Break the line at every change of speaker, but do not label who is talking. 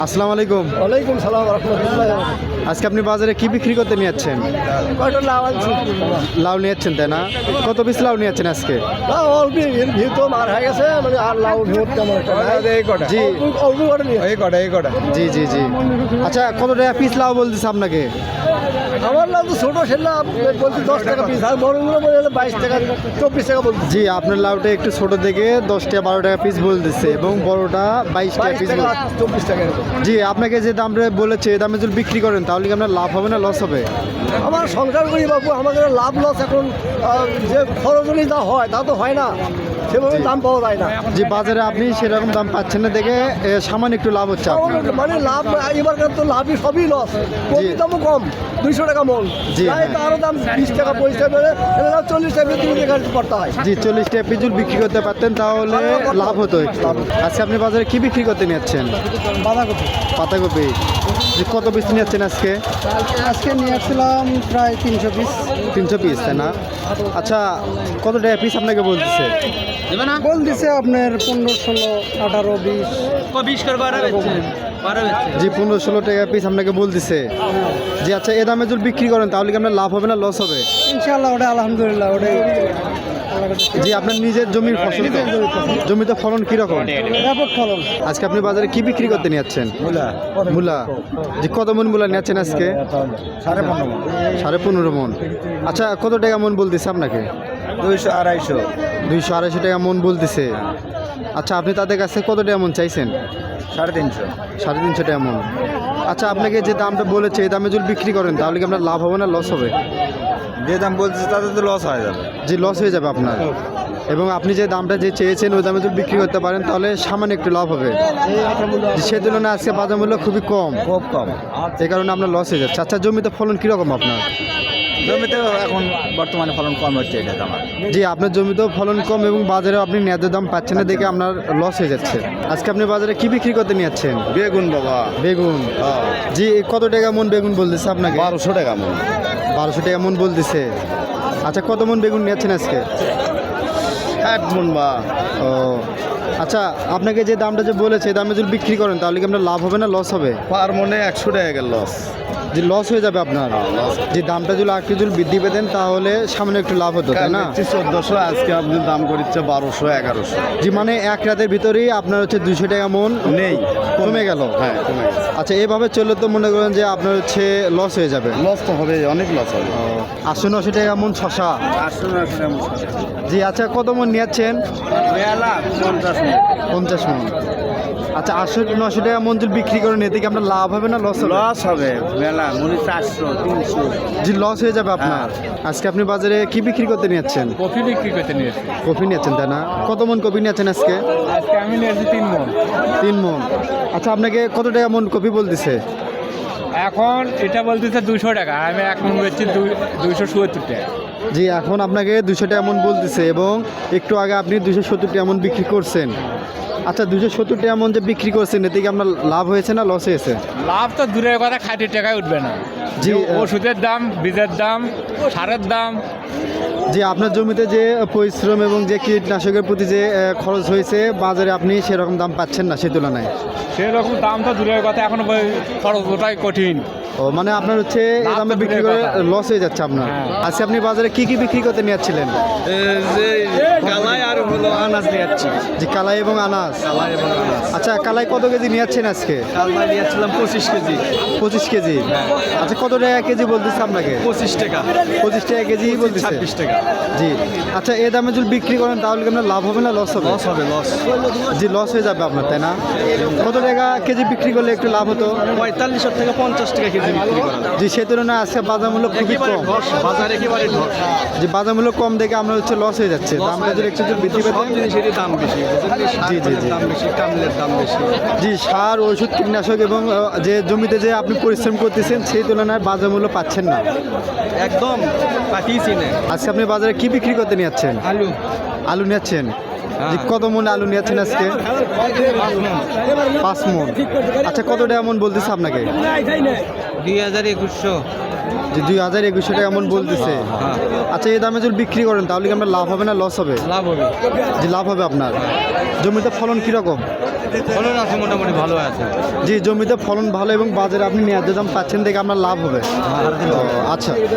আসসালামু আলাইকুম।
ওয়ালাইকুম সালাম রহমতুল্লাহ।
আজকে আপনি বাজারে কি বিক্রি করতে নিয়ে যাচ্ছেন?
কয়টা লাউ আনছি?
লাউ নিয়ে যাচ্ছেন তাই না? কত পিস লাউ নিয়ে যাচ্ছেন আজকে?
লাউ অল্প এর ভিতর মার হয়ে গেছে, মানে আর লাউ ভিতর তেমন একটা নাই।
জি
অল্প কটা নিয়ে
জি জি জি। আচ্ছা কত টাকা পিস লাউ বলতেছে আপনাকে?
আমার লাউ তো ছোটো, সে লাউ বলছি 10 টাকা পিস, আর বড়গুলো বলে 22 টাকা 24 টাকা বলছি।
জি আপনার লাউটা একটু ছোট থেকে 10 টাকা 12 টাকা পিস বলতেছে এবং বড়টা 22 টাকা
22
পিস।
টাকা 24 টাকা এরকম।
জি আপনাকে যে দামটা বলেছে এই দামে যদি বিক্রি করেন তাহলে কি আপনার লাভ হবে না লস হবে?
আমার সংসার করি বাবু, আমাদের লাভ লস এখন যে খরচ অনুযায়ী যা হয় তা তো হয় না, সেভাবে দাম পাওয়া যায় না।
যে বাজারে আপনি সেরকম দাম পাচ্ছেন না দেখে সামান্য একটু লাভ হচ্ছে আপনার।
মানে লাভ এবারকার তো লাভই সবই লস। কপির দামও কম, 200 টাকা মন।
জি,
তাই তো আরো দাম 20 টাকা 25 টাকা বেড়ে 40 টাকা 30 টাকা করতে হয়।
জি 40 টাকা পিস যদি বিক্রি করতে পারতেন তাহলে লাভ হতো একটু। আজকে আপনি বাজারে কি বিক্রি করতে নিয়ে যাচ্ছেন?
বাঁধাকপি
পাতাকপি। যে কত পিস নিয়ে যাচ্ছেন আজকে?
আজকে নিয়ে আসছিলাম প্রায় 300 পিস।
300 পিস তাই না? আচ্ছা কত টাকা পিস আপনাকে বলতেছে?
বল দিছে আপনার 15, 16, 18, 20।
জি 15-16 টাকা পিস আপনাকে বলতেছে। জি আচ্ছা এ দামে যদি বিক্রি করেন তাহলে কি আপনার লাভ হবে না লস হবে?
ইনশাআল্লাহ ওটা আলহামদুলিল্লাহ ওটাই।
জি আপনার নিজের জমির ফসল তো? জমিতে ফলন কীরকম?
ব্যাপক ফলন।
আজকে আপনি বাজারে কি বিক্রি করতে নিয়ে যাচ্ছেন? মূলা। জি কত মন মূলা নিচ্ছেন আজকে? 15.5 মন। আচ্ছা কত টাকা মন বলতেছে আপনাকে?
200,
200-250 টাকা মন বলতেছে। আচ্ছা আপনি তাদের কাছে কত টাকা মন চাইছেন?
350।
350 টাকা মন। আচ্ছা আপনাকে যে দামটা বলেছে এই দামে যদি বিক্রি করেন তাহলে কি আপনার লাভ হবে না লস হবে?
যে দাম বলছে তাতে তো লস হয়ে যাবে।
যে লস হয়ে যাবে আপনার, এবং আপনি যে দামটা যে চেয়েছেন ওই দামে যদি বিক্রি করতে পারেন তাহলে সামান্য একটু লাভ হবে। সে তুলনায় আজকে বাজার মূল্য খুবই কম,
খুব কম।
এই কারণে আপনার লস হয়ে যাচ্ছে। আচ্ছা জমিতে ফলন কীরকম আপনার?
জমিতে এখন বর্তমানে ফলন কম হচ্ছে, এটা আমার।
জি আপনার জমিতেও ফলন কম এবং বাজারে আপনি ন্যায্য দাম পাচ্ছেন না দেখে আপনার লস হয়ে যাচ্ছে। আজকে আপনি বাজারে কি বিক্রি করতে নিয়ে যাচ্ছেন?
বেগুন বাবা,
বেগুন। জি কত টাকা মন বেগুন বলতেছে আপনাকে?
1200 টাকা মন।
1200 টাকা মন বলতেছে। আচ্ছা কত মন বেগুন নিয়ে যাচ্ছেন আজকে?
1 মন বা।
ও আচ্ছা আপনাকে যে দামটা যে বলেছে এই দামে যদি বিক্রি করেন তাহলে কি আপনার লাভ হবে না লস হবে?
পার মনে 100 টাকা গেল লস।
যে লস হয়ে যাবে আপনার। যে দামটা যদি একটু যদি বৃদ্ধি পেতেন তাহলে সামনে একটু লাভ হতো তাই না?
1400, আজকে আপনি দাম করিচ্ছে 1200, 1100।
জি মানে এক রাতের ভিতরেই আপনার হচ্ছে 200 টাকা মন
নেই,
কমে গেল।
হ্যাঁ কমে গেছে।
আচ্ছা এভাবে চললে তো মনে করেন যে আপনার হচ্ছে লস হয়ে যাবে।
লস তো হবে, অনেক লস হবে।
800-900 টাকা মন শশা।
800 টাকা মন।
জি আচ্ছা কত মন নিয়েছেন? 50 মন। আচ্ছা 800-900 টাকা মন যদি বিক্রি করেন এতে কি আপনার লাভ হবে না লস হবে?
লস হবে মেলা মনে 400, 300।
জি লস হয়ে যাবে আপনার। আজকে আপনি বাজারে কি বিক্রি করতে নিয়েছেন?
কফি বিক্রি করতে নিয়েছি।
কফি নিয়েছেন তাই না? কত মন কফি নিয়েছেন আজকে?
আজকে আমি নিয়েছি 3 মন।
3 মন। আচ্ছা আপনাকে কত টাকা মন কফি বলতেছে?
এখন এটা বলতেছে 200 টাকা, আমি এক মন বেচছি 270 টাকা।
জি এখন আপনাকে 200 টাকা মন বলতেছে এবং একটু আগে আপনি 270 টাকা মন বিক্রি করছেন। আচ্ছা 270 টাকা মন যে বিক্রি করছেন এতে কি আপনার লাভ হয়েছে না লস হয়েছে?
লাভ তো দূরের কথা, 60 টাকায় উঠবে না।
জি,
ওষুধের দাম, বীজের দাম, সারের দাম।
যে আপনার জমিতে যে পরিশ্রম এবং যে কীটনাশকের প্রতি যে খরচ হয়েছে বাজারে আপনি সেরকম দাম পাচ্ছেন না সে তুলনায়।
সেরকম দাম তো দূরের কথা, এখন খরচ ওটাই কঠিন।
ও মানে আপনার হচ্ছে এই
লাভ
দামে
তো
বিক্রি
দূরের
করে
কথা।
লস হয়ে যাচ্ছে আপনার।
হ্যাঁ।
আজকে আপনি বাজারে কি কি বিক্রি করতে নিয়ে যাচ্ছিলেন?
কালাই আর হলো আনাজ নিয়ে যাচ্ছি।
যে কালাই এবং আনাজ। আচ্ছা কালাই কত কেজি নিয়ে যাচ্ছেন আজকে?
কালাই নিয়ে যাচ্ছিলাম 25 কেজি।
25 কেজি। আচ্ছা কত টাকা কেজি বলতেছে আপনাকে?
25 টাকা।
25 টাকা কেজি বলতেছে।
26 টাকা।
জি আচ্ছা এই দামে যদি বিক্রি করেন তাহলে কি আপনার লাভ হবে না লস হবে?
লস হবে, লস।
জি লস হয়ে যাবে আপনার তাই না? কত টাকা কেজি বিক্রি করলে একটু লাভ হতো?
45 থেকে 50 টাকা কেজি বিক্রি করা যায়।
জি সে তুলনায় আজকে বাজার মূল্য খুবই
একেবারে
কম।
ধস, বাজার একেবারে ধস।
যে বাজার মূল্য কম দেখে আমরা হচ্ছে লস হয়ে যাচ্ছে। দামটা যদি একটু যদি বৃদ্ধি পেতে।
সব জিনিসেরই দাম বেশি,
জি, জি, জি।
দাম বেশি, কামলের দাম বেশি।
জি সার ওষুধ কীটনাশক এবং যে জমিতে যে আপনি পরিশ্রম করতেছেন সেই তুলনায় বাজার মূল্য পাচ্ছেন না।
একদম পাঠিয়েছি না।
আজকে আপনি বাজারে কি বিক্রি করতে নিয়ে যাচ্ছেন?
আলু
আলু নিচ্ছেন। জি কত মন আলু নিয়েছেন আজকে? 5 মন। আচ্ছা কত টাকা মন বলতেছে আপনাকে?
2100
যে 2200 টাকা এমন বলতেছে।
হ্যাঁ
আচ্ছা এই দামে যদি বিক্রি করেন তাহলে কি আপনার লাভ হবে না লস হবে?
লাভ হবে,
যে লাভ হবে আপনার। জমিতে ফলন কীরকম?
ফলন আছে মোটামুটি ভালো আছে।
জি জমিতে ফলন ভালো এবং বাজারে আপনি ন্যায্য দাম পাচ্ছেন দেখে আপনার লাভ হবে। ও, আচ্ছা